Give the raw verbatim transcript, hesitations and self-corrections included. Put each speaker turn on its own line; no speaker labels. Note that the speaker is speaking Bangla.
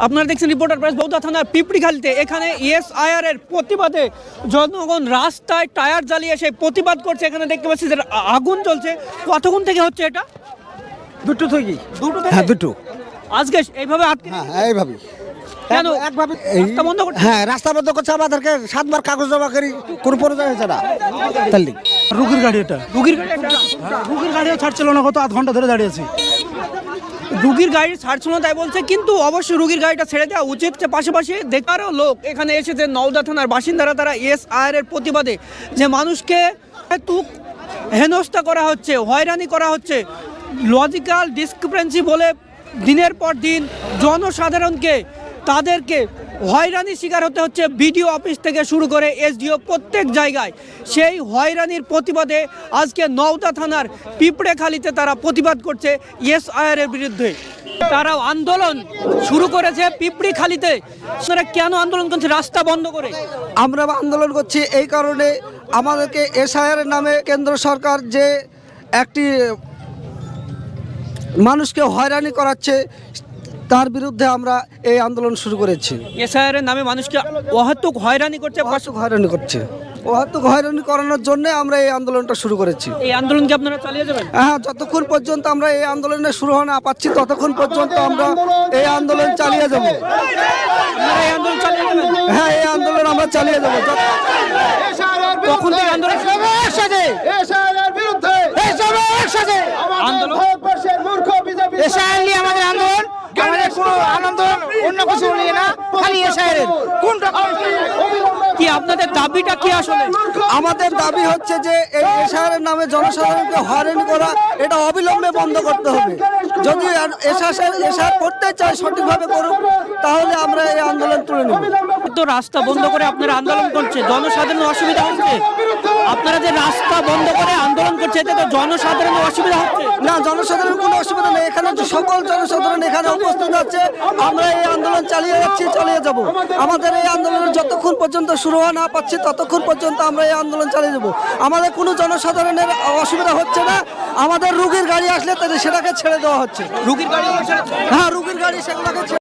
আপনারা দেখছেন রিপোর্টার প্রেস বৌদ্ধা থানার পিপড়িখালিতে। এখানে ইএসআইআর এর প্রতিবাদে জনগণ রাস্তায় টায়ার জ্বালিয়ে সেই প্রতিবাদ করছে। এখানে দেখতে পাচ্ছি যে আগুন জ্বলছে। কতক্ষণ থেকে হচ্ছে এটা?
দুটো থেকে
দুটো থেকে?
হ্যাঁ দুটো।
আজকে এইভাবে আটকে
হ্যাঁ এইভাবে
কেন?
একভাবে
রাস্তা বন্ধ করছে?
হ্যাঁ রাস্তা বন্ধ করছে, আমাদেরকে সাতবার কাগজ জমা করি, কোনো পরিচয় হয়েছে না। তাহলে
রুগীর গাড়ি এটা,
রুগীর গাড়ি একটা?
রুগীর গাড়িও ছাড়ছিল না, কত আধ ঘন্টা ধরে দাঁড়িয়েছি।
রুগীর গাড়ি ছাড়ছিল না তাই বলছে, কিন্তু অবশ্যই রুগীর গাড়িটা ছেড়ে দেওয়া উচিত। পাশাপাশি দেখারও লোক এখানে এসেছে নওদা থানার বাসিন্দারা, তারা ইএসআইআর এর প্রতিবাদে যে মানুষকে তুক হেনস্থা করা হচ্ছে, হয়রানি করা হচ্ছে, লজিক্যাল ডিসক্রিপেন্সি বলে দিনের পর দিন জনসাধারণকে তাদেরকে হয়রানি শিকার হতে হচ্ছে। বিডিও অফিস থেকে শুরু করে এসডিও প্রত্যেক জায়গায় সেই হয়রানির প্রতিবাদে আজকে নওদা থানার পিঁপড়েখালিতে তারা প্রতিবাদ করছে ইএসআইআর এর বিরুদ্ধে। তারাও আন্দোলন শুরু করেছে পিঁপড়িখালিতে। সেটা কেন আন্দোলন করছে? রাস্তা বন্ধ করে।
আমরা আন্দোলন করছি এই কারণে, আমাদেরকে এসআইআর নামে কেন্দ্র সরকার যে একটি মানুষকে হয়রানি করাচ্ছে, তার বিরুদ্ধে আমরা এই আন্দোলন শুরু করেছি।
এসআইআর এর নামে মানুষকে অহেতুক হয়রানি করছে,
অহেতুক হয়রানি করছে, অহেতুক হয়রানি করানোর জন্য আমরা এই আন্দোলনটা শুরু করেছি।
এই আন্দোলনকে আপনারা চালিয়ে যাবেন?
হ্যাঁ, যতক্ষণ পর্যন্ত আমরা এই আন্দোলনে শুরু না পাচ্ছি ততক্ষণ পর্যন্ত আমরা এই আন্দোলন চালিয়ে যাব।
আপনারা এই আন্দোলন চালিয়ে যাবেন?
হ্যাঁ, এই আন্দোলন আমরা চালিয়ে যাবো।
কখন থেকে আন্দোলন?
একসাথে
বিরুদ্ধে
একসাথে
আন্দোলন
এসআইআর নিয়ে আমাদের আন্দোলন, আমাদের কোনো আনন্দ অন্য কিছু নিয়ে না, খালি এসআইআর কোনটা
কি আপনাদের দাবিটা কি আসলে?
আমাদের দাবি হচ্ছে যে এই এসআইআর নামে জনসাধারণকে হয়রানি করা এটা অবিলম্বে বন্ধ করতে হবে। যদি এসআইআর এসআইআর করতে চায় সঠিকভাবে করুক, তাহলে আমরা এই আন্দোলন তুলে নেব।
তো রাস্তা বন্ধ করে আপনারা আন্দোলন করছে, জনসাধারণের অসুবিধা হচ্ছে। আপনারা যে রাস্তা বন্ধ করে আন্দোলন করছে এতে তো জনসাধারণের অসুবিধা হচ্ছে।
না, জনসাধারণের কোনো অসুবিধা নেই, এখানে যে সকল জনসাধারণ এখানে উপস্থিত আছে। আমরা এই আন্দোলন চালিয়ে যাচ্ছি, চালিয়ে যাব। আমাদের এই আন্দোলনের যতক্ষণ পর্যন্ত শুরু হওয়া না পাচ্ছি ততক্ষণ পর্যন্ত আমরা এই আন্দোলন চালিয়ে যাব। আমাদের কোনো জনসাধারণের অসুবিধা হচ্ছে না। আমাদের রুগীর গাড়ি আসলে তাদের সেটাকে ছেড়ে দেওয়া হচ্ছে।
রুগীর গাড়ি?
হ্যাঁ, রুগীর গাড়ি সেগুলোকে